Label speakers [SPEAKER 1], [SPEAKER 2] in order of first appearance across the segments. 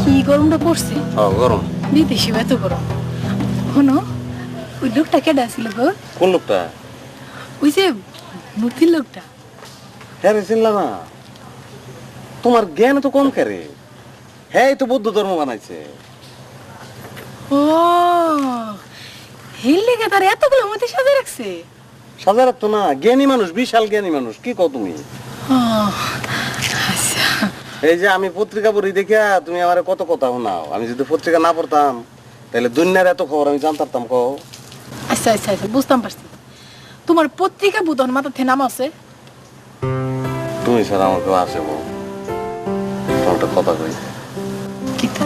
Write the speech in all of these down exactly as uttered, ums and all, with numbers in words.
[SPEAKER 1] কি গরমটা পড়ছে?
[SPEAKER 2] ও গরম
[SPEAKER 1] বিদেশি এত গরম। শোনো, ওই লোকটা কেডা ছিল গো?
[SPEAKER 2] কোন লোকটা?
[SPEAKER 1] ওই যে মূর্তির লোকটা।
[SPEAKER 2] হ্যাঁ রে, চিনলা না? তোমার জ্ঞান তো কম করে। হ্যাঁ, তো বৌদ্ধ ধর্ম বানাইছে।
[SPEAKER 1] ও হেল লেগে তার এতগুলো মধ্যে সাজে রাখছে।
[SPEAKER 2] সাজা রাখতো না, জ্ঞানী মানুষ, বিশাল জ্ঞানী মানুষ। কি কও তুমি?
[SPEAKER 1] ও আচ্ছা।
[SPEAKER 2] এই যে আমি পত্রিকা পড়ি দেখিয়া তুমি আমার কত কথা শোনাও। আমি যদি পত্রিকা না পড়তাম তাহলে দুনিয়ার এত খবর আমি জানতাম। কও।
[SPEAKER 1] আচ্ছা আচ্ছা আচ্ছা, বুঝতাম পারছি। তোমার পত্রিকা বুধন মাথা থেকে নাম আছে?
[SPEAKER 2] তুমি স্যার আমার কেউ আসে বউ, তোমার একটা কথা কই।
[SPEAKER 1] কিতা?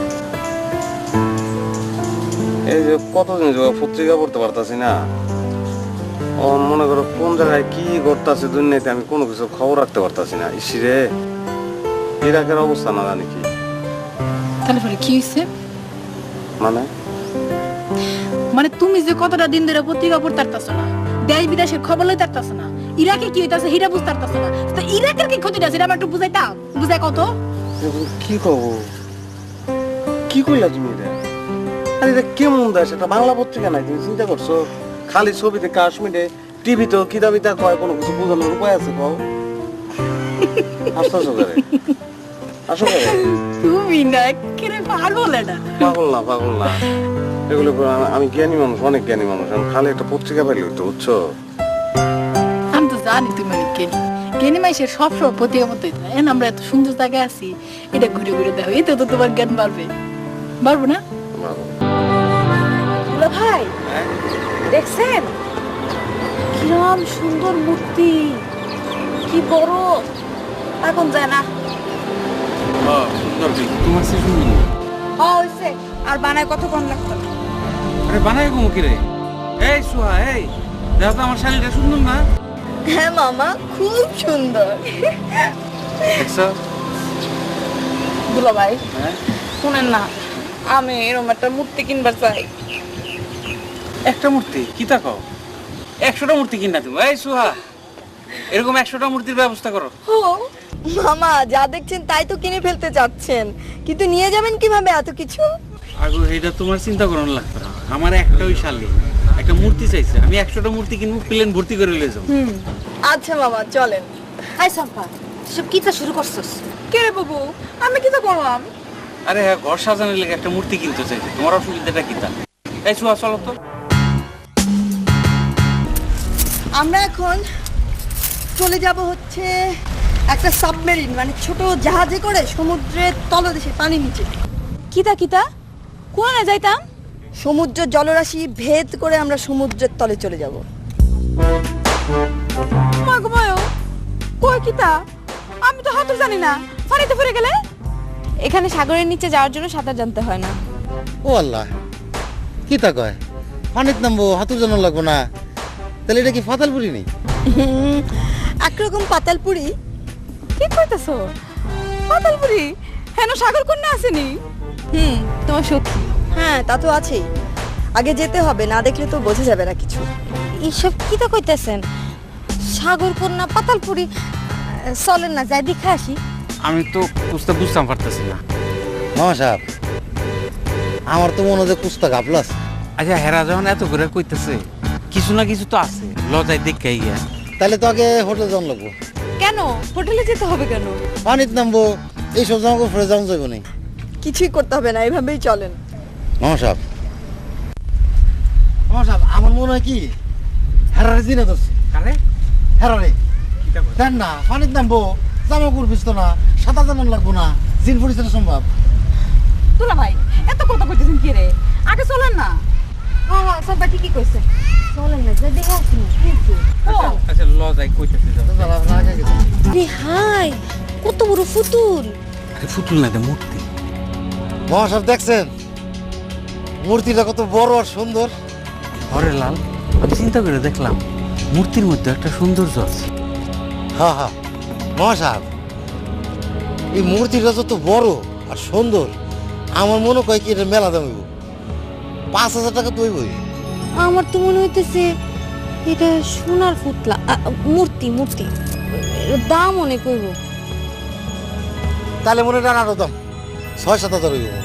[SPEAKER 2] এই যে কতদিন যে পত্রিকা পড়তে পারতাছি না, ও মনে করো কোন জায়গায় কি ঘটতাছে দুনিয়াতে আমি কোনো কিছু খবর রাখতে পারতাছি না। ইসিরে ইরাকের অবস্থা না জানি কি।
[SPEAKER 1] তাহলে পরে কি হয়েছে?
[SPEAKER 2] মানে
[SPEAKER 1] মানে তুমি যে কতটা দিন ধরে পত্রিকা পড়তে পারতাছ না, দেশ বিদেশের খবর লইতে পারতাছ না, ইরাকে কি হইতাছে হিরা বুঝতে পারতাছ না, তো ইরাকের কি ক্ষতিটা সেটা আমার একটু বুঝাইতাম। বুঝাই কত?
[SPEAKER 2] কি কব, কি কইলা তুমি এটা? আরে এটা কেমন দেশ? এটা বাংলা পত্রিকা নাই, তুমি চিন্তা করছো? খালি ছবিতে কাশ্মীরে টিভিতে কিতাবিতা কয়, কোনো কিছু বোঝানোর উপায় আছে? কও। হাসতেছো করে? আসো করে?
[SPEAKER 1] তুমি না একেবারে পাগল এটা।
[SPEAKER 2] পাগল না, পাগল না। এগুলো করে- আমি জ্ঞানী মানুষ, অনেক জ্ঞানী মানুষ। আমি খালি একটা পত্রিকা পাইলে হইতো, বুঝছো?
[SPEAKER 1] আমি তো জানি তুমি অনেক জ্ঞানী। জ্ঞানী মাইসের সব সময় পত্রিকা পড়তে হইতো না। এখন আমরা এত সুন্দর জায়গায় আছি, এটা ঘুরে ঘুরে দেখো, এতে তো তোমার জ্ঞান বাড়বে। বাড়বো না? দুলা ভাই দেখছেন কিরম সুন্দর মূর্তি, কি বড়, এখন যায় না।
[SPEAKER 3] তোমার সে শুনুন।
[SPEAKER 1] হয়েছে আর বানায় কতক্ষণ লাগতো না?
[SPEAKER 3] আরে বানাই গো মুখে রে। এই সুহা, এই দেখো তো আমার শাড়িটা সুন্দর না?
[SPEAKER 4] হ্যাঁ মামা, খুব সুন্দর।
[SPEAKER 3] দেখছো?
[SPEAKER 1] দুলা ভাই
[SPEAKER 3] হ্যাঁ,
[SPEAKER 1] শুনেন না, আমি এরকম একটা মূর্তি কিনবার চাই।
[SPEAKER 3] একটা মূর্তি কি তা কও? একশোটা মূর্তি কিনা তুমি। এই সুহা, এরকম একশোটা মূর্তির ব্যবস্থা করো।
[SPEAKER 4] ও মামা, যা দেখছেন তাই তো কিনে ফেলতে চাচ্ছেন, কিন্তু নিয়ে যাবেন কিভাবে এত কিছু?
[SPEAKER 3] আগো এইটা তোমার চিন্তা করানো লাগবে না। আমার একটা ওই শালি একটা মূর্তি চাইছে, আমি একশোটা মূর্তি কিনবো, প্লেন ভর্তি করে লয়ে যাবো।
[SPEAKER 4] হুম, আচ্ছা মামা চলেন।
[SPEAKER 5] হাই সম্পা, সব কিতা শুরু করছস?
[SPEAKER 1] কে রে বাবু, আমি কি তো করলাম?
[SPEAKER 3] আরে হ্যাঁ, ঘর সাজানোর লেগে একটা মূর্তি কিনতে চাইছে, তোমার অসুবিধাটা কি তা? এই সুহা চলো তো।
[SPEAKER 4] আমরা এখন চলে যাব হচ্ছে একটা সাবমেরিন, মানে ছোট জাহাজে করে সমুদ্রের তলদেশে, পানি নিচে।
[SPEAKER 5] কিতা কিতা কোনে যাইতাম?
[SPEAKER 4] সমুদ্র জলরাশি ভেদ করে আমরা সমুদ্রের তলে চলে যাব।
[SPEAKER 5] মাগমায়ো কই কিতা? আমি তো হাতও জানি না, পানিতে পড়ে গেলে? এখানে সাগরের নিচে যাওয়ার জন্য সাঁতার জানতে হয় না।
[SPEAKER 6] ও আল্লাহ, কি তা কয়? পানিত নামবো, হাতুর জন্য লাগবো না? তাহলে এটা কি ফাতালপুরি নেই?
[SPEAKER 4] হুম, একরকম পাতালপুরি।
[SPEAKER 5] কি কইতাছো? পাতালপুরি হেন সাগর কন্যা আসেনি? হুম, তোমার সখী।
[SPEAKER 4] হ্যাঁ, তা তো আছেই। আগে যেতে হবে, না দেখলে তো বোঝা যাবে না কিছু।
[SPEAKER 5] এইসব কিতা কইতাছেন? সাগর কন্যা পাতালপুরি, চলেন না যাই দেখে আসি।
[SPEAKER 3] আমি তো বুঝতে বুঝতাম পারতেছি না।
[SPEAKER 6] মামা সাহেব, আমার তো মনে হয় কুস্তা গাবলাস।
[SPEAKER 3] আচ্ছা, হেরা যখন এত করে কইতেছে, কিছু না কিছু তো আছে, লজায় দেখে গিয়া।
[SPEAKER 6] তাহলে তো আগে হোটেল যাওয়া লাগবো।
[SPEAKER 5] কেন হোটেলে যেতে হবে কেন?
[SPEAKER 6] পানিত নামবো, এইসব জামা কাপড় যাওয়া যাবো না।
[SPEAKER 4] কিছুই করতে হবে না, এইভাবেই চলেন।
[SPEAKER 6] মামা সাহেব, মামা সাহেব, আমার মনে হয় কি হেরারে জিনে ধরছে।
[SPEAKER 3] কারে?
[SPEAKER 6] হেরারে দেন না, পানিত নামবো, জামা কাপড় ভিজতো না, সাঁতার জানান লাগবো না, জিন পরিচয় সম্ভব।
[SPEAKER 5] দুলা ভাই এত কথা কইতেছেন কি রে? আগে চলেন না। হ্যাঁ হ্যাঁ, সবাই ঠিকই কইছে, চলেন না যাই দেখে আসি।
[SPEAKER 3] আচ্ছা, লজায় কইতেছে যাও।
[SPEAKER 5] রে হাই, কত বড় ফুতুল!
[SPEAKER 3] আরে ফুতুল না, এটা মূর্তি।
[SPEAKER 6] মামা সাহেব দেখছেন মূর্তিটা কত বড় আর সুন্দর?
[SPEAKER 3] হরে লাল, আমি চিন্তা করে দেখলাম মূর্তির মধ্যে একটা সৌন্দর্য আছে।
[SPEAKER 6] হ্যাঁ হ্যাঁ মামা সাহেব, এই মূর্তিটা যত বড় আর সুন্দর, আমার মনে হয় কি এটা মেলা দাম হইব, পাঁচ হাজার টাকা তো হইবই।
[SPEAKER 5] আমার তো মনে হইতেছে এটা সোনার পুতলা, আ, মূর্তি মূর্তি, এর দাম অনেক হইব।
[SPEAKER 6] তাহলে মনে হয় আরো দাম ছয় সাত হাজার হইব।